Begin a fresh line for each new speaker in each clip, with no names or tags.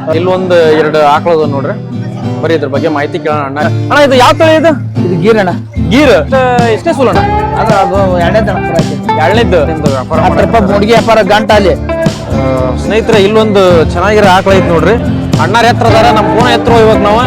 ಇಲ್ಲೊಂದು ಎರಡು ಆಕಳದ ನೋಡ್ರಿ, ಬರೀ ಇದ್ರ ಬಗ್ಗೆ ಮಾಹಿತಿ ಕೇಳೋಣ. ಅಣ್ಣ ಇದು ಯಾವ ತಳಿ ಇದು?
ಇದು ಗೀರ್ ಅಣ್ಣ.
ಗೀರ್ ಎಷ್ಟೇ ಸೂಲಣ್ಣ?
ಅದು ಎರಡನೇದು
ಎರಡನೇದ್ದು ವ್ಯಾಪಾರ
10 ರೂಪಾಯಿ ಮೂಡಿಗೆ ವ್ಯಾಪಾರ ಗಂಟ ಅಲ್ಲಿ.
ಸ್ನೇಹಿತರೆ ಇಲ್ಲೊಂದು ಚೆನ್ನಾಗಿರೋ ಆಕಳ ಐತಿ ನೋಡ್ರಿ. ಅಣ್ಣಾರ ಎತ್ತರ ಅದಾರ, ನಮ್ಮ ಪೂಣ ಎತ್ತರ ಇವಾಗ ನಾವು.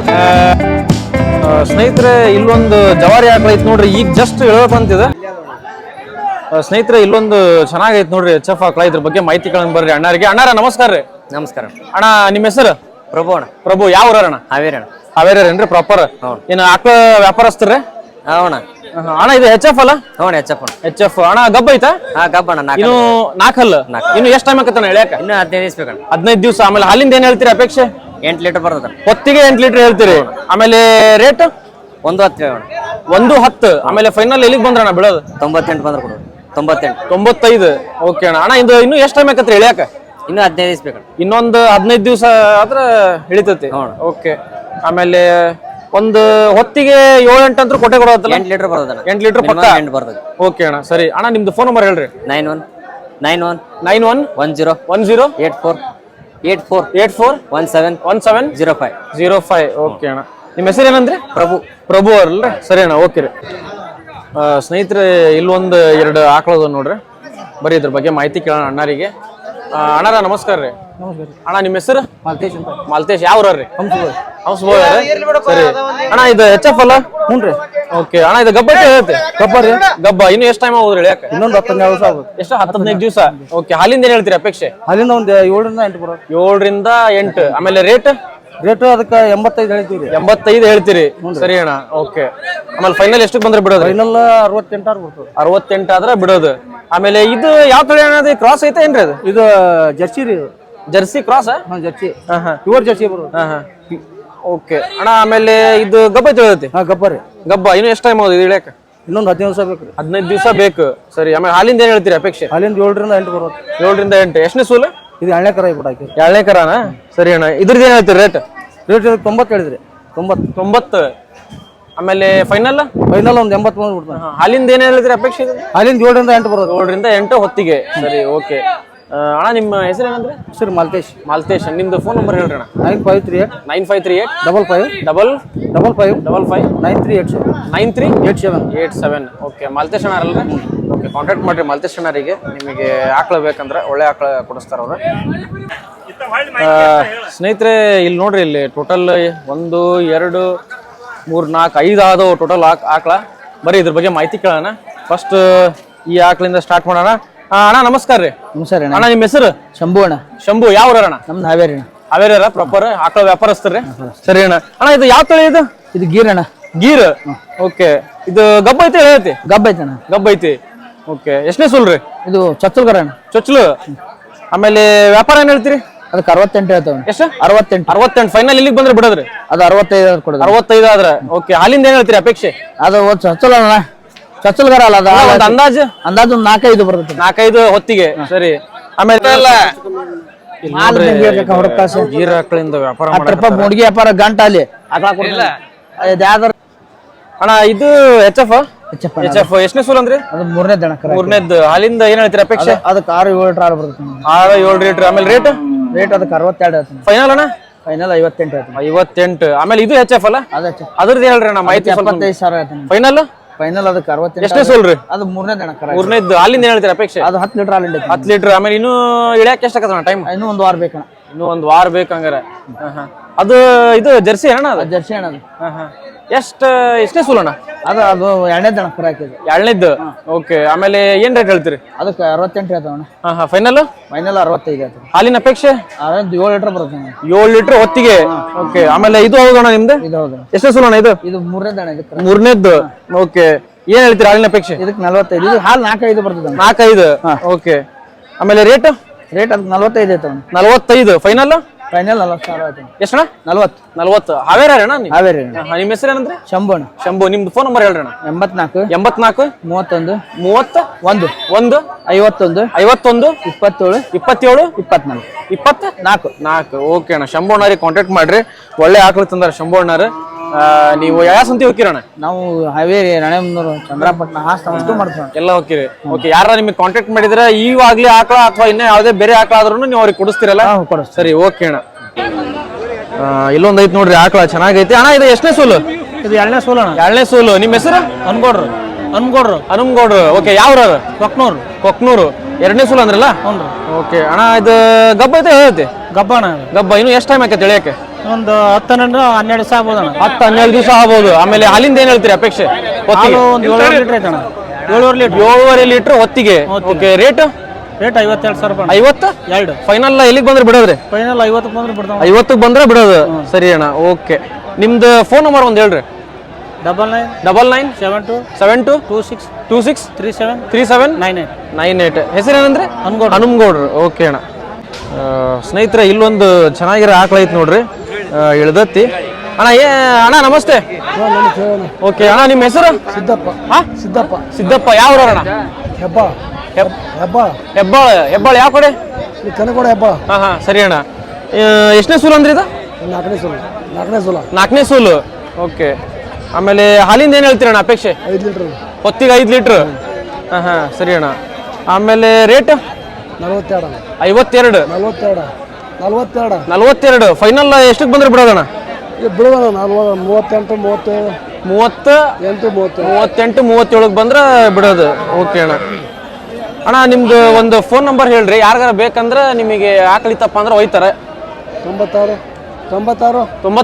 ಸ್ನೇಹಿತರೆ ಇಲ್ಲೊಂದು ಜವಾರಿ ಆಕಳ ಐತಿ ನೋಡ್ರಿ, ಈಗ ಜಸ್ಟ್ ಹೇಳ್ಬೇಕಂತಿದೆ. ಸ್ನೇಹಿತರೆ ಇಲ್ಲೊಂದು ಚೆನ್ನಾಗೈತಿ ನೋಡ್ರಿ, ಎಚ್.ಎಫ್ ಆಕಳ. ಇದ್ರ ಬಗ್ಗೆ ಮಾಹಿತಿ ಕೇಳೋಣ ಬರ್ರಿ ಅಣ್ಣಾರಿಗೆ. ಅಣ್ಣಾರ ನಮಸ್ಕಾರ ರೀ.
ನಮಸ್ಕಾರ
ಅಣ್ಣ, ನಿಮ್ಮ ಹೆಸರು?
ಪ್ರಭು ಅಣ್ಣ.
ಪ್ರಭು ಯಾವ ಊರಣ್ಣ?
ಹಾವೇರಿ ಅಣ್ಣ.
ಹಾವೇರೇನ್ರಿ ಪ್ರಾಪರ್? ಏನು ಆಕಳ ವ್ಯಾಪಾರಸ್ತ್ರಿ?
ಅವಣ
ಅಣ್ಣ ಇದು ಎಚ್.ಎಫ್ ಅಲ್ಲ?
ಹ್ಞೂ ಎಚ್.ಎಫ್ ಅಣ್ಣ.
ಎಚ್.ಎಫ್ ಅಣ್ಣ. ಗಬ್ಬ ಐತಾ?
ಹಾ ಗಬ್ಬ ಅಣ್ಣ.
ಇನ್ನು ನಾಲ್ಕಲ್ಲ? ಇನ್ನು ಎಷ್ಟು ಟೈಮ್ ಆಕತ್ತಣ್ಣ ಹೇಳ್ಯಾಕ?
ಇನ್ನು 15 ದಿವಸ ಬೇಕಣ್ಣ.
15 ದಿವಸ. ಆಮೇಲೆ ಹಾಲಿಂದ ಏನ್ ಹೇಳ್ತೀರಿ ಅಪೇಕ್ಷೆ?
8 ಲೀಟರ್ ಬರ್ತದ.
ಹೊತ್ತಿಗೆ 8 ಲೀಟರ್ ಹೇಳ್ತೀರಿ. ಆಮೇಲೆ ರೇಟ್
1.10 ಅಣ್ಣ.
1.10. ಆಮೇಲೆ ಫೈನಲ್ ಎಲ್ಲಿಗೆ ಬಂದ್ರಣ್ಣ ಬಿಡೋದು?
98 ಬಂದ್ರೆ ಕೊಡು. 98.
95. ಓಕೆ ಅಣ್ಣ. ಅಣ್ಣ ಇದು ಇನ್ನು ಎಷ್ಟು ಟೈಮ್ ಆಕತ್ರಿ ಹೇಳ್ಯಾಕ?
ಇನ್ನು 15 ದಿವಸ ಬೇಕಣ್ಣ.
ಇನ್ನೊಂದು 15 ದಿವಸ ಆದ್ರೆ ಹಿಡಿತೈತಿ. ಓಕೆ. ಆಮೇಲೆ ಒಂದು ಹೊತ್ತಿಗೆ 7-8 ಅಂತೂ ಕೊಟ್ಟೆ ಕೊಡೋದಲ್ಲ?
8 ಲೀಟರ್ ಬರ್ತದಣ್ಣ.
8 ಲೀಟರ್ ಪಕ್ಕ
8 ಬರ್ತದೆ.
ಓಕೆ ಅಣ್ಣ, ಸರಿ. ಅಣ್ಣ ನಿಮ್ದು ಫೋನ್ ನಂಬರ್ ಹೇಳ್ರಿ.
91
91
10
10
84 17 05.
ಓಕೆ ಅಣ್ಣ. ನಿಮ್ಮ ಹೆಸರು ಏನಂದ್ರಿ?
ಪ್ರಭು.
ಪ್ರಭು ಅವ್ರಲ್ರಿ? ಸರಿ ಅಣ್ಣ, ಓಕೆ ರೀ. ಸ್ನೇಹಿತರೆ ಇಲ್ಲೊಂದು ಎರಡು ಆಕಳದ ನೋಡ್ರಿ, ಬರೀ ಇದ್ರ ಬಗ್ಗೆ ಮಾಹಿತಿ ಕೇಳೋಣ ಅಣ್ಣಾರಿಗೆ. ಅಣ್ಣಾರ ನಮಸ್ಕಾರ ರೀ. ಅಣ್ಣ ನಿಮ್ಮ ಹೆಸರು?
ಮಾಲ್ತೇಶ್ ಅಂತ.
ಮಾಲ್ತೇಶ್ ಯಾವ ಊರ್ರಿ? ಹಂಸಬೋಯ್. ಸರಿ ಅಣ್ಣ, ಇದು ಎಚ್.ಎಫ್ ಅಲ್ಲ?
ಹ್ಞೂ ರೀ.
ಓಕೆ ಅಣ್ಣ, ಇದು ಗಬ್ಬ ಐತೆ? ಗಬ್ಬ ರೀ. ಗಬ್ಬ ಇನ್ನು ಎಷ್ಟು ಟೈಮ್ ಆಗೋದ್ರಿ ಹೇಳ್ಯಾಕ?
ಇನ್ನೊಂದು 15 ದಿವಸ ಆಗುತ್ತೆ.
ಎಷ್ಟು? 15 ದಿವಸ. ಓಕೆ. ಹಾಲಿಂದ ಏನ್ ಹೇಳ್ತೀರಿ ಅಪೇಕ್ಷೆ?
ಅಲ್ಲಿಂದ ಒಂದು 7ರಿಂದ 8 ಬರೋದು.
7ರಿಂದ 8. ಆಮೇಲೆ ರೇಟ್
ಅದಕ್ಕೆ 85 ಹೇಳ್ತೀವಿ ರೀ.
85 ಹೇಳ್ತೀರಿ. ಸರಿ ಅಣ್ಣ, ಓಕೆ. ಆಮೇಲೆ ಫೈನಲ್ ಎಷ್ಟಕ್ಕೆ ಬಂದ್ರೆ ಬಿಡೋದು?
ಫೈನಲ್ 68 ಬರ್ತದೆ.
68 ಆದ್ರೆ ಬಿಡೋದು. ಆಮೇಲೆ ಇದು ಯಾವ ತಳಿ ಅಣ್ಣ? ಕ್ರಾಸ್ ಐತೆ ಏನ್ರಿ? ಅದು
ಇದು ಜರ್ಸಿ ರೀ.
Jersey cross?
Jersey. Pure jersey ಬರೋದು.
ಓಕೆ ಅಣ್ಣ. ಆಮೇಲೆ ಇದು ಗಬ್ಬ ಐತೆ ಹೇಳ್ತಿ?
ಗಬ್ಬ ರೀ.
ಗಬ್ಬ ಇನ್ನು ಎಷ್ಟು ಟೈಮ್ ಆಗೋದು ಇಳ್ಯಾಕ?
ಇನ್ನೊಂದು 15 ದಿವಸ ಬೇಕು ರೀ.
15 ದಿವಸ ಬೇಕು. ಸರಿ. ಆಮೇಲೆ ಹಾಲಿಂದ ಏನ್ ಹೇಳ್ತೀರಿ ಅಪೇಕ್ಷೆ?
ಅಲ್ಲಿಂದ 7ರಿಂದ 8 ಬರೋದು.
7ರಿಂದ 8. ಎಷ್ಟನೇ ಸೂಲು?
ಇದು 2ನೇ ಕರ ಬಿಡಾಕಿ.
2ನೇ ಕರಾನ? ಸರಿ ಅಣ್ಣ. ಇದ್ರದ್ದು ಏನ್ ಹೇಳ್ತೀರಿ ರೇಟ್?
90 ಹೇಳಿದ್ರಿ. 90.
ಆಮೇಲೆ ಫೈನಲ್
ಒಂದು 80 ಬಂದು ಬಿಡ್ತಾನೆ.
ಹಾಲಿಂದ ಏನ್ ಹೇಳಿದ್ರಿ ಅಪೇಕ್ಷೆ?
ಅಲ್ಲಿಂದ 7ರಿಂದ 8 ಬರೋದು.
7ರಿಂದ 8 ಹೊತ್ತಿಗೆ. ಸರಿ, ಓಕೆ. ಅಣ್ಣ ನಿಮ್ಮ ಹೆಸರು ಏನಂದ್ರೆ?
ಸರ್ ಮಾಲ್ತೇಶ್.
ಮಾಲ್ತೇಶ್. ನಿಮ್ದು ಫೋನ್ ನಂಬರ್ ಹೇಳ್ರಿ ಅಣ್ಣ.
9538
9538
55
9387
9387.
ಓಕೆ. ಮಾಲ್ತೇಶ್ ಅಣ್ಣ ಅಲ್ರಿ? ಓಕೆ. ಕಾಂಟ್ಯಾಕ್ಟ್ ಮಾಡ್ರಿ ಮಾಲ್ತೇಶ್ ಅಣ್ಣರಿಗೆ. ನಿಮಗೆ ಆಕಳ ಬೇಕಂದ್ರೆ ಒಳ್ಳೆ ಆಕಳ ಕೊಡಿಸ್ತಾರ ಅವ್ರು. ಸ್ನೇಹಿತರೆ ಇಲ್ಲಿ ನೋಡ್ರಿ, ಇಲ್ಲಿ ಟೋಟಲ್ 1 2 3 4 5 ಆದವು ಟೋಟಲ್ ಆಕಳ. ಬರೀ ಇದ್ರ ಬಗ್ಗೆ ಮಾಹಿತಿ ಕೇಳೋಣ. ಫಸ್ಟ್ ಈ ಆಕಳಿಂದ ಸ್ಟಾರ್ಟ್ ಮಾಡೋಣ. ಅಣ್ಣ ನಮಸ್ಕಾರ ರೀ.
ನಮಸ್ಕಾರ
ಅಣ್ಣ. ನಿಮ್ಮ ಹೆಸರು?
ಶಂಭು ಅಣ್ಣ.
ಶಂಭು ಯಾವ ಊರ ಅಣ್ಣ?
ನಮ್ದು ಹಾವೇರಿ ಅಣ್ಣ.
ಹಾವೇರಿ ಪ್ರಾಪರ್? ಆಕಳ ವ್ಯಾಪಾರಸ್ತ್ರಿ? ಸರಿ ಅಣ್ಣ. ಅಣ್ಣ ಇದು ಯಾವ ತಳಿ ಇದು?
ಇದು ಗೀರ್ ಅಣ್ಣ.
ಗೀರ್. ಓಕೆ. ಇದು ಗಬ್ಬ ಐತಿ ಹೇಳ್ತಿ?
ಗಬ್ಬ ಐತೆ ಅಣ್ಣ.
ಗಬ್ಬ ಐತಿ. ಓಕೆ. ಎಷ್ಟನೇ ಸೂಲ್ರಿ?
ಇದು ಚೊಚ್ಚಲ್ಗರ ಅಣ್ಣ.
ಚೊಚ್ಚಲು. ಆಮೇಲೆ ವ್ಯಾಪಾರ ಏನ್ ಹೇಳ್ತೀರಿ?
ಅದಕ್ಕೆ 68 ಹೇಳ್ತಾವ.
ಎಷ್ಟು?
68.
ಫೈನಲ್ ಇಲ್ಲಿಗೆ ಬಂದ್ರೆ ಬಿಡೋದ್ರಿ?
ಅದು 65 ಕೊಡೋದು.
65 ಆದ್ರೆ ಓಕೆ. ಹಾಲಿಂದ ಏನ್ ಹೇಳ್ತೀರಿ ಅಪೇಕ್ಷೆ?
ಅದು ಚೊಚ್ಚಲ ಅಣ್ಣ. ಚೊಚ್ಚಲ್ಗರ ಅಲ್ಲ ಅದು.
ಅಂದಾಜು
ಒಂದು 4-5 ಬರ್ತದೆ.
4-5 ಹೊತ್ತಿಗೆ. ಸರಿ. ಆಮೇಲೆ ಗೀರ್ ಆಕಳಿಂದ ವ್ಯಾಪಾರ
10 ರೂಪಾಯಿ ಮೂಡಿಗೆ ವ್ಯಾಪಾರ ಗಂಟ ಅಲ್ಲಿ.
ಅಣ್ಣ ಇದು ಎಚ್.ಎಫ್? ಎಚ್.ಎಫ್ ಎಷ್ಟನೇ ಸೂಲ್ ಅಂದ್ರಿ?
ಅದು 3ನೇ ದನ.
3ನೇದ್ದು. ಹಾಲಿಂದ ಏನ್ ಹೇಳ್ತೀರಿ ಅಪೇಕ್ಷೆ?
ಅದಕ್ಕೆ 6-7 ಲೀಟರ್ ಹಾಲು ಬರ್ತದೆ.
6-7 ಲೀಟರ್. ಆಮೇಲೆ ರೇಟ್
ಅದಕ್ಕೆ 62 ಹೇಳ್ತೀನಿ.
ಫೈನಲ್ ಅಣ್ಣ?
ಫೈನಲ್ 58 ಹೇಳ್ತೀನಿ.
58. ಆಮೇಲೆ ಇದು ಎಚ್.ಎಫ್ ಅಲ್ಲ? ಅದ್ರದ್ದು ಹೇಳ್ರಿ ಅಣ್ಣ ಮಾಹಿತಿ.
75,000 ಹೇಳ್ತೀನಿ.
ಫೈನಲ್
ಅದಕ್ಕೆ 68.
ಎಷ್ಟೇ ಸೂಲ್ರಿ?
ಅದು 3ನೇ ದನ.
3ನೇದ್ದು. ಹಾಲಿಂದ ಏನ್ ಹೇಳ್ತೀರಿ ಅಪೇಕ್ಷೆ?
ಅದು 10 ಲೀಟರ್ ಹಾಲಿಂದ.
10 ಲೀಟರ್. ಆಮೇಲೆ ಇನ್ನೂ ಇಳ್ಯಾಕ ಎಷ್ಟಾಗತ್ತಣ್ಣ ಟೈಮ್?
ಇನ್ನೂ 1 ವಾರ ಬೇಕಣ್ಣ.
ಇನ್ನೂ 1 ವಾರ ಬೇಕಂಗಾರೆ. ಅದು ಇದು ಜರ್ಸಿ ಅಣ್ಣ? ಅದು
ಜರ್ಸಿ ಅಣ್ಣ.
ಎಷ್ಟೇ ಸೂಲಣ್ಣ?
ಅದು 2ನೇ ದನ ಕರ ಹಾಕಿದೆ.
2ನೇದ್ದು. ಓಕೆ. ಆಮೇಲೆ ಏನ್ ರೇಟ್ ಹೇಳ್ತೀರಿ?
ಅದಕ್ಕೆ 68 ಹೇಳ್ತಾವಣ್ಣ.
ಫೈನಲ್
65 ಹೇಳ್ತಾವೆ.
ಹಾಲಿನ ಅಪೇಕ್ಷೆ?
7 ಲೀಟರ್ ಬರುತ್ತೆ.
7 ಲೀಟರ್ ಹೊತ್ತಿಗೆ. ಓಕೆ. ಆಮೇಲೆ ಇದು ಹೌದಣ್ಣ ನಿಮ್ದು?
ಇದು ಹೌದು.
ಎಷ್ಟೇ ಸೂಲಣ್ಣ ಇದು?
ಇದು 3ನೇ ದನ.
3ನೇದ್ದು. ಓಕೆ. ಏನ್ ಹೇಳ್ತೀರಿ ಹಾಲಿನ ಅಪೇಕ್ಷೆ?
ಇದಕ್ಕೆ 45. ಇದು ಹಾಲು 4-5 ಬರ್ತದೆ.
4-5. ಓಕೆ. ಆಮೇಲೆ ರೇಟ್
ಅದಕ್ಕೆ 45 ಐತವಣ್ಣ.
45. ಫೈನಲ್
40,000 ಆಯ್ತು.
ಎಷ್ಟಣ್ಣ?
40.
ಹಾವೇರಿ ಅಣ್ಣ?
ಹಾವೇರಿ.
ನಿಮ್ಮ ಹೆಸರು ಏನಂದ್ರೆ?
ಶಂಭು ಅಣ್ಣ.
ಶಂಭು. ನಿಮ್ದು ಫೋನ್ ನಂಬರ್ ಹೇಳ್ರಿ ಅಣ್ಣ.
84
31
31
51
51
57
27
24
24.
ಓಕೆ ಅಣ್ಣ. ಶಂಭು ಅಣ್ಣರಿಗೆ ಕಾಂಟ್ಯಾಕ್ಟ್ ಮಾಡ್ರಿ. ಒಳ್ಳೆ ಆಕಳು ತಂದಾರ ಶಂಭು ಅಣ್ಣರು. ನೀವು ಯಾವ ಸಂತಿ ಹೋಗಿರಣ್ಣ?
ನಾವು ಹಾವೇರಿ, ರಾಣೆಬೆನ್ನೂರು, ಚಂದ್ರಪಟ್ಟಣ ಹಾಸ್ತ ಮಾಡ್ತೀವಿ.
ಎಲ್ಲ ಹೋಗಿರಿ. ಓಕೆ. ಯಾರ ನಿಮಗೆ ಕಾಂಟ್ಯಾಕ್ಟ್ ಮಾಡಿದ್ರೆ ಈವಾಗ್ಲಿ ಆಕಳ ಅಥವಾ ಇನ್ನೂ ಯಾವುದೇ ಬೇರೆ ಆಕಳ ಆದ್ರೂ ನೀವು ಅವ್ರಿಗೆ ಕೊಡಿಸ್ತೀರಲ್ಲ?
ಕೊಡಿಸ್ತೀವಿ.
ಸರಿ, ಓಕೆ ಅಣ್ಣ. ಇಲ್ಲೊಂದ್ ಐತಿ ನೋಡ್ರಿ ಆಕಳ ಚೆನ್ನಾಗೈತಿ ಅಣ್ಣ. ಇದು ಎಷ್ಟನೇ ಸೂಲು?
ಇದು 2ನೇ ಸೂಲು ಅಣ್ಣ.
2ನೇ ಸೂಲು. ನಿಮ್ಮ ಹೆಸರು?
ಅನ್ಗೋಡ್ರು.
ಹನುಮಗೌಡ್ರು. ಓಕೆ, ಯಾವ್ರ? ಕೊಕ್ನೂರು. 2ನೇ ಸೂಲು ಅಂದ್ರಲ್ಲ?
ಹ್ಞೂ.
ಓಕೆ ಅಣ್ಣ, ಇದು ಗಬ್ಬ ಐತೆ ಹೇಳೈತಿ?
ಗಬ್ಬ ಅಣ್ಣ.
ಗಬ್ಬ ಇನ್ನು ಎಷ್ಟು ಟೈಮ್ ಆಕೈತೆ ಎಳೆಯಕ್ಕೆ?
ಒಂದು 10-12 ದಿವಸ ಆಗ್ಬೋದು ಅಣ್ಣ.
10-12 ದಿವಸ ಆಗ್ಬೋದು. ಆಮೇಲೆ ಹಾಲಿಂದ ಏನ್ ಹೇಳ್ತೀರಿ ಅಪೇಕ್ಷೆ?
ಹಾಲು ಒಂದು 7 ಲೀಟರ್ ಐತೆ ಅಣ್ಣ.
7.5 ಲೀಟರ್ ಹೊತ್ತಿಗೆ. ಓಕೆ, ರೇಟ್
52,000 ರೂಪಾಯಿ.
52 ಫೈನಲ್ ಎಲ್ಲಿಗೆ ಬಂದ್ರೆ ಬಿಡೋದ್ರಿ?
ಫೈನಲ್ 50 ಬಂದ್ರೆ ಬಿಡ್ತಾವ.
50 ಬಂದ್ರೆ ಬಿಡೋದು. ಸರಿ ಅಣ್ಣ. ಓಕೆ, ನಿಮ್ದು ಫೋನ್ ನಂಬರ್ ಒಂದು ಹೇಳ್ರಿ.
99 72 26 37
ಹೆಸರೇನಂದ್ರೆ? ಹನುಮಗೌಡ್ರು. ಓಕೆ ಅಣ್ಣ. ಸ್ನೇಹಿತರೆ, ಇಲ್ಲೊಂದು ಚೆನ್ನಾಗಿರೋ ಆಕಳ ಐತಿ ನೋಡ್ರಿ, ಇಳ್ದತ್ತಿ ಅಣ್ಣ. ಅಣ್ಣ ನಮಸ್ತೆ. ಓಕೆ ಅಣ್ಣ, ನಿಮ್ಮ ಹೆಸರು? ಸಿದ್ದಪ್ಪ. ಯಾವ ಅಣ್ಣ? ಹೆಬ್ಬಾಳ. ಯಾವ ಕಡೆ? ಹಾ ಸರಿ ಅಣ್ಣ. ಎಷ್ಟನೇ ಸೂಲು ಅಂದ್ರೆ ಇದು? 4ನೇ ಸೂಲು. ಓಕೆ, ಆಮೇಲೆ ಹಾಲಿಂದ ಏನ್ ಹೇಳ್ತೀರ ಅಣ್ಣ ಅಪೇಕ್ಷೆ?
5 ಲೀಟರ್
ಹೊತ್ತಿಗೆ 5 ಲೀಟರ್. ಹಾ ಸರಿ ಅಣ್ಣ. ಆಮೇಲೆ ರೇಟ್? 52 ಫೈನಲ್ ಎಷ್ಟಕ್ಕೆ ಬಂದ್ರೆ ಬಿಡೋದಣ್ಣ? 38-37 ಬಂದ್ರೆ ಬಿಡೋದು. ಓಕೆ ಅಣ್ಣ. ಅಣ್ಣ, ನಿಮ್ದು ಒಂದು ಫೋನ್ ನಂಬರ್ ಹೇಳ್ರಿ, ಯಾರಿಗಾರ ಬೇಕಂದ್ರೆ ನಿಮಗೆ ಆಕಳಿತಪ್ಪ ಅಂದ್ರೆ ಒಯ್ತಾರೆ.
96
11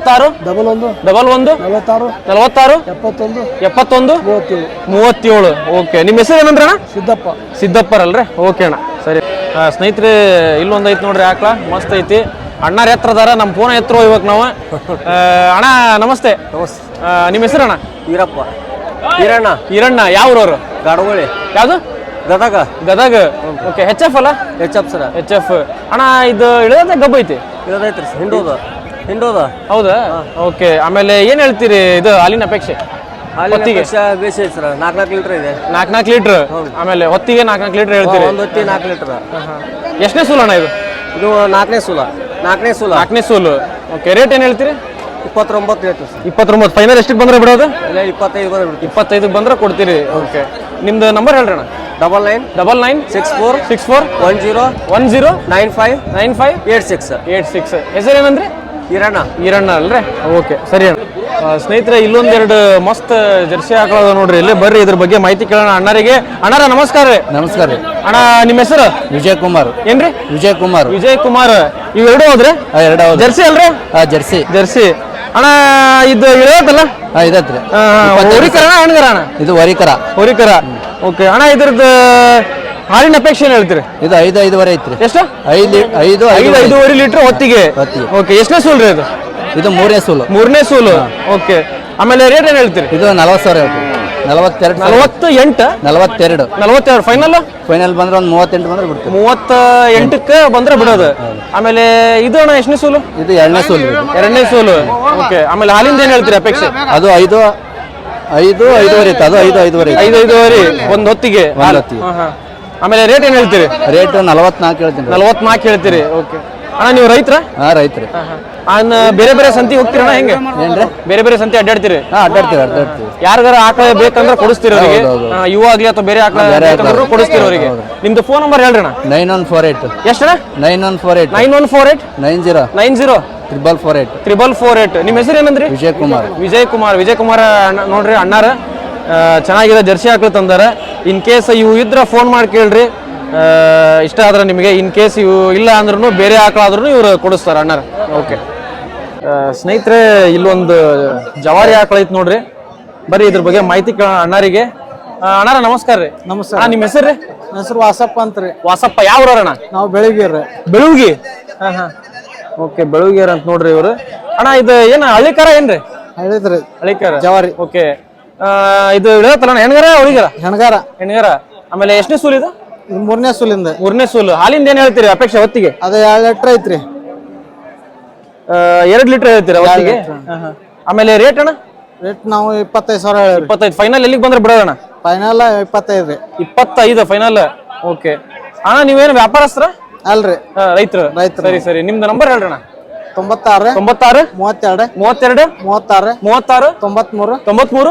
46
41
71
37. ಓಕೆ, ನಿಮ್ಮ ಹೆಸರು ಏನಂದ್ರೆ ಅಣ್ಣ? ಸಿದ್ದಪ್ಪರಲ್ರಿ? ಓಕೆ ಅಣ್ಣ, ಸರಿ. ಸ್ನೇಹಿತರೆ, ಇಲ್ಲೊಂದು ಐತಿ ನೋಡ್ರಿ ಆಕಳ, ಮಸ್ತ್ ಐತಿ. ಅಣ್ಣಾರ ಎತ್ತರದಾರ, ನಮ್ಮ ಫೋನ್ ಎತ್ತರ ಹೋಗ್ಬೇಕು ನಾವು. ಅಣ್ಣ ನಮಸ್ತೆ. ನಿಮ್ಮ ಹೆಸರು ಅಣ್ಣ? ಈರಣ್ಣ. ಯಾವ್ರವ್ರು?
ಗಾಡಗೋಳಿ.
ಯಾವ್ದು? ಗದಗ. ಓಕೆ, HF ಅಲ್ಲ? HF. ಅಣ್ಣ, ಇದು ಇಳಿದ ಗಬ್ಬ ಐತಿ?
ಇರೋದೈತ್ರಿ, ಹಿಂಡೋದ.
ಹೌದಾ? ಓಕೆ, ಆಮೇಲೆ ಏನ್ ಹೇಳ್ತೀರಿ ಇದು ಹಾಲಿನ ಅಪೇಕ್ಷೆ?
ಹೊತ್ತಿಗೆ ಬೇಸಿ ಐತಿ ಸರ್, 4 ಲೀಟರ್ ಇದೆ.
4 ಲೀಟರ್. ಆಮೇಲೆ ಹೊತ್ತಿಗೆ 4 ಲೀಟರ್ ಹೇಳ್ತೀರಿ?
ಒಂದು ಹೊತ್ತಿ 4 ಲೀಟರ್.
ಎಷ್ಟನೇ ಸೂಲು ಅಣ್ಣ ಇದು?
ಇದು 4ನೇ
ಸೂಲು. ಓಕೆ, ರೇಟ್ ಏನ್ ಹೇಳ್ತೀರಿ?
29 ಹೇಳ್ತೀವಿ ಸರ್.
29 ಫೈನಲ್ ಎಷ್ಟಕ್ಕೆ ಬಂದ್ರೆ ಬಿಡೋದು?
25 ಬಂದ್ರೆ ಬಿಡ್ತೀವಿ.
25 ಬಂದ್ರೆ ಕೊಡ್ತೀರಿ. ಓಕೆ, ನಿಮ್ದು ನಂಬರ್ ಹೇಳ್ರಿ ಅಣ್ಣ.
99 64 10 95 86.
ಹೆಸರು ಏನಂದ್ರೆ? ಈರಣ್ಣ ಅಲ್ರಿ? ಓಕೆ, ಸರಿ ಅಣ್ಣ. ಸ್ನೇಹಿತರೆ, ಇಲ್ಲೊಂದೆರಡು ಮಸ್ತ್ ಜರ್ಸಿ ಆಕಳ ನೋಡ್ರಿ, ಇಲ್ಲಿ ಬರ್ರಿ, ಇದ್ರ ಬಗ್ಗೆ ಮಾಹಿತಿ ಕೇಳೋಣ ಅಣ್ಣರಿಗೆ. ಅಣ್ಣಾರ ನಮಸ್ಕಾರ ರೀ.
ನಮಸ್ಕಾರ ರೀ
ಅಣ್ಣ. ನಿಮ್ಮ ಹೆಸರು?
ವಿಜಯ್ ಕುಮಾರ್.
ಏನ್ರಿ?
ವಿಜಯ್ ಕುಮಾರ್.
ಇವೆರಡು ಹೋದ್ರಿ? ಜರ್ಸಿ ಅಲ್ರಿ? ಜರ್ಸಿ. ಅಣ್ಣ, ಇದು ಇಳತ್ತಲ್ಲ?
ಇದತ್ರಿ.
ಹೋರಿಕರ ಹೆಣ್ಗರ ಅಣ್ಣ? ಇದು ಹೋರಿಕರ. ಓಕೆ ಅಣ್ಣ, ಇದ್ರದ್ದು ಹಾಲಿನ ಅಪೇಕ್ಷೆ ಏನ್ ಹೇಳ್ತೀರಿ?
ಇದು 5.5 ಐತ್ರಿ.
ಎಷ್ಟು?
5.5
ಲೀಟರ್ ಹೊತ್ತಿಗೆ. ಓಕೆ, ಎಷ್ಟನೇ ಸೂಲ್ ರೀ ಇದು?
ಇದು 3ನೇ ಸೂಲು.
ಓಕೆ, ಆಮೇಲೆ ರೇಟ್ ಏನ್ ಹೇಳ್ತೀರಿ?
ಇದು 40,000 ಹೇಳ್ತೀವಿ.
42 ಫೈನಲ್
ಬಂದ್ರೆ ಒಂದು 38 ಬಂದ್ರೆ ಬಿಡ್ತೀವಿ.
38ಕ್ಕೆ ಬಂದ್ರೆ ಬಿಡೋದು. ಆಮೇಲೆ ಇದು ಅಣ್ಣ ಎಷ್ಟನೇ ಸೂಲು?
ಇದು 2ನೇ ಸೂಲು.
ಓಕೆ, ಆಮೇಲೆ ಹಾಲಿಂದ ಏನ್ ಹೇಳ್ತೀರಿ ಅಪೇಕ್ಷೆ?
ಅದು 5.5 ಇತ್ತು. ಅದು
5.5 ಒಂದು ಹೊತ್ತಿಗೆ. ಆಮೇಲೆ ರೇಟ್ ಏನ್ ಹೇಳ್ತೀರಿ?
ರೇಟ್ 44
ಹೇಳ್ತೀರಿ. ಓಕೆ ಅಣ್ಣ, ನೀವು ರೈತರ?
ರೈತರಿ.
ಬೇರೆ ಸಂತಿ ಹೋಗ್ತೀರಣ್ಣ? ಹೆಂಗೆ? ಬೇರೆ ಸಂತಿ ಅಡ್ಡಾಡ್ತೀರಿ?
ಅಡ್ಡಾಡ್ತೀವಿ.
ಯಾರಿಗಾರ ಆಕಳ ಬೇಕಂದ್ರೆ ಕೊಡಿಸ್ತೀರಿ ಅವರಿಗೆ? ಇವು ಆಗ್ಲಿ ಅಥವಾ ಬೇರೆ ಆಕಳ ಕೊಡಿಸ್ತೀರಿ ಅವರಿಗೆ? ನಿಮ್ದು ಫೋನ್ ನಂಬರ್ ಹೇಳ್ರಿ ಅಣ್ಣ.
9148.
ಎಷ್ಟಣ್ಣ?
9148
90 448. ನಿಮ್ಮ ಹೆಸರು ಏನಂದ್ರಿ? ವಿಜಯ್ ಕುಮಾರ್ ಅಣ್ಣ ನೋಡ್ರಿ, ಅಣ್ಣಾರ ಚೆನ್ನಾಗಿದೆ ಜರ್ಸಿ ಆಕಳು ತಂದಾರ. ಇನ್ ಕೇಸ್ ಇವು ಇದ್ರ ಫೋನ್ ಮಾಡಿ ಕೇಳ್ರಿ, ಇಷ್ಟ ಆದ್ರೆ ನಿಮಗೆ. ಇನ್ ಕೇಸ್ ಇವು ಇಲ್ಲ ಅಂದ್ರೂ ಬೇರೆ ಆಕಳಾದ್ರೂ ಇವ್ರು ಕೊಡಿಸ್ತಾರೆ ಅಣ್ಣಾರ. ಓಕೆ ಸ್ನೇಹಿತರೆ, ಇಲ್ಲೊಂದು ಜವಾರಿ ಆಕಳ ಐತಿ ನೋಡ್ರಿ, ಬರ್ರಿ ಇದ್ರ ಬಗ್ಗೆ ಮಾಹಿತಿ ಕೇಳೋಣ ಅಣ್ಣಾರಿಗೆ. ಅಣ್ಣಾರ ನಮಸ್ಕಾರ ರೀ.
ನಮಸ್ಕಾರ.
ನಿಮ್ಮ ಹೆಸರು?
ನನ್ನ ಹೆಸರು ವಾಸಪ್ಪ ಅಂತ್ರಿ.
ವಾಸಪ್ಪ. ಯಾವ ಅಣ್ಣ?
ನಾವು ಬೆಳಗಿರಿ.
ಓಕೆ, ಬೆಳಗಿಯರ್ ಅಂತ ನೋಡ್ರಿ ಇವರು. ಅಣ್ಣ, ಇದು ಏನ ಹಳ್ಳಿಕಾರ ಏನ್ರಿ? ಹಳ್ಳಿಕಾರ
ಜವಾರಿ.
ಓಕೆ, ಇದು ಇಳತ್ತಲ್ಲ ಹೆಣ್ಗಾರ ಹುಡುಗರ? ಹೆಣ್ಗಾರ. ಆಮೇಲೆ ಎಷ್ಟನೇ ಸೂಲ್ ಇದು?
3ನೇ ಸೂಲಿಂದ.
3ನೇ ಸೂಲು. ಹಾಲಿಂದ ಏನ್ ಹೇಳ್ತೀರಿ ಅಪೇಕ್ಷೆ ಹೊತ್ತಿಗೆ?
ಅದು 2 ಲೀಟರ್ ಐತ್ರಿ.
2 ಲೀಟರ್ ಹೇಳ್ತೀರಾ ಹೊತ್ತಿಗೆ? ಆಮೇಲೆ ರೇಟ್ ಅಣ್ಣ?
ರೇಟ್ ನಾವು 25,000 ಹೇಳಿ.
25 ಫೈನಲ್ ಎಲ್ಲಿಗೆ ಬಂದ್ರೆ ಬಿಡೋದಣ್ಣ?
ಫೈನಲ್ 25 ರೀ.
25 ಫೈನಲ್. ಓಕೆ ಅಣ್ಣ, ನೀವೇನು ವ್ಯಾಪಾರಸ್ತ್ರ
ಅಲ್ರಿ?
ರೈತರು. ಸರಿ, ನಿಮ್ದು ನಂಬರ್ ಹೇಳ್ರಿ ಅಣ್ಣ.
96 32 36 93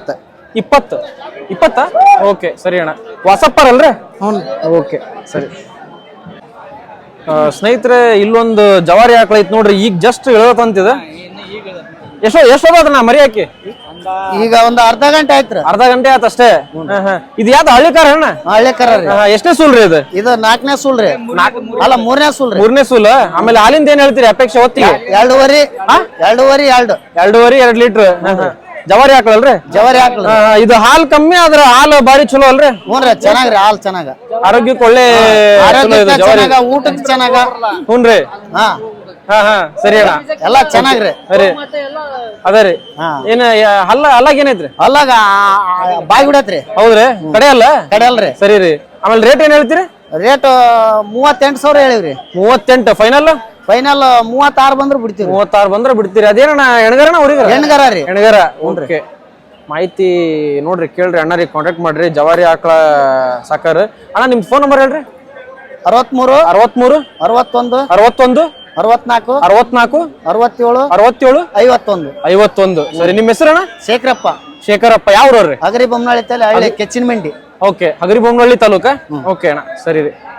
20. ಓಕೆ ಸರಿ ಅಣ್ಣ. ವಾಸಪ್ಪರ್ ಅಲ್ರಿ?
ಹ್ಞೂ.
ಓಕೆ ಸರಿ. ಸ್ನೇಹಿತರೆ ಇಲ್ಲೊಂದು ಜವಾರಿ ಆಕಳ ಐತ್ ನೋಡ್ರಿ, ಈಗ ಜಸ್ಟ್ ಇಳತಂತಿದ. ಎಷ್ಟೋದಣ್ಣ ಮರಿ ಹಾಕಿ?
ಈಗ ಒಂದು ಅರ್ಧ ಗಂಟೆ ಆಯ್ತ್ರ.
ಅರ್ಧ ಗಂಟೆ ಆತ ಅಷ್ಟೇ. ಇದು ಯಾವ್ದು ಹಳ್ಳಿ ಕಾರ ಅಣ್ಣ?
ಹಳ್ಳಿ ಕರ ರೀ.
ಎಷ್ಟನೇ ಸೂಲ್ರಿ ಇದು?
ಇದು 4ನೇ ಸೂಲ್ರಿ. ಅಲ್ಲ 3ನೇ ಸೂಲ್ರಿ.
3ನೇ ಸೂಲ್. ಆಮೇಲೆ ಹಾಲಿಂದ ಏನ್ ಹೇಳ್ತೀರಿ ಅಪೇಕ್ಷೆ ಹೊತ್ತಿಗೆ?
2.5 2.5
2 ಲೀಟರ್. ಜವಾರಿ ಆಕಳಲ್ರಿ?
ಜವಾರಿ ಹಾಕ್ಲ.
ಇದು ಹಾಲ್ ಕಮ್ಮಿ ಆದ್ರ ಹಾಲು ಬಾರಿ ಚಲೋ ಅಲ್ರಿ?
ಹ್ಞೂನ್ರಿ ಚೆನ್ನಾಗ್ರಿ, ಹಾಲ್ ಚೆನ್ನಾಗ,
ಆರೋಗ್ಯಕ್ಕೆ ಒಳ್ಳೆ ಚಲೋ ಇದು ಜವಾರಿ.
ಚೆನ್ನಾಗ, ಊಟಕ್ಕೆ ಚೆನ್ನಾಗ.
ಹ್ಞೂನ್ರಿ.
ಹಾ
ಸರಿ ಅಣ್ಣ,
ಎಲ್ಲಾ ಚೆನ್ನಾಗ್ರಿ.
ಸರಿ ಅದೇ ರೀ.
ಹಾ.
ಏನ ಹಲ್ಲಾಗ ಏನೈತ್ರಿ?
ಅಲ್ಲಾಗ ಬಾಯಿ ಬಿಡತ್ರಿ.
ಹೌದ್ರಿ? ಕಡೆ ಅಲ್ಲ
ಕಡೆ ಅಲ್ರಿ.
ಸರಿ ರೀ. ಆಮೇಲೆ ರೇಟ್ ಏನ್ ಹೇಳ್ತೀರಿ?
ರೇಟ್ 38,000 ಹೇಳಿವ್ರಿ.
38 ಫೈನಲ್.
ಫೈನಲ್ 36 ಬಂದ್ರೆ ಬಿಡ್ತೀವಿ.
36 ಬಂದ್ರೆ ಬಿಡ್ತೀರಿ. ಅದೇನಣ್ಣ ಹೆಣ್ಗರಣ ಅವ್ರಿಗೆ?
ಹೆಣ್ಗರ ರೀ.
ಹೆಣ್ಗರ. ಓಕೆ, ಮಾಹಿತಿ ನೋಡ್ರಿ, ಕೇಳ್ರಿ ಅಣ್ಣರಿಗೆ ಕಾಂಟ್ಯಾಕ್ಟ್ ಮಾಡ್ರಿ. ಜವಾರಿ ಆಕಳ ಸಾಕಾರ. ಅಣ್ಣ ನಿಮ್ ಫೋನ್ ನಂಬರ್ ಹೇಳ್ರಿ.
63
63
61
61
64
64
67
67
51
51. ಸರಿ, ನಿಮ್ಮ ಹೆಸರಣ್ಣ?
ಶೇಖರಪ್ಪ.
ಶೇಖರಪ್ಪ. ಯಾವ ಊರವ್ರಿ?
ಅಗರಿ ಬೊಮ್ಮನಹಳ್ಳಿ ತಲೆ ಹಳ್ಳಿ ಕೆಚ್ಚಿನ ಮಂಡಿ.
ಓಕೆ, ಹಗರಿಬೊಮ್ಮನಹಳ್ಳಿ ತಾಲೂಕ. ಓಕೆ ಅಣ್ಣ, ಸರಿ ರೀ.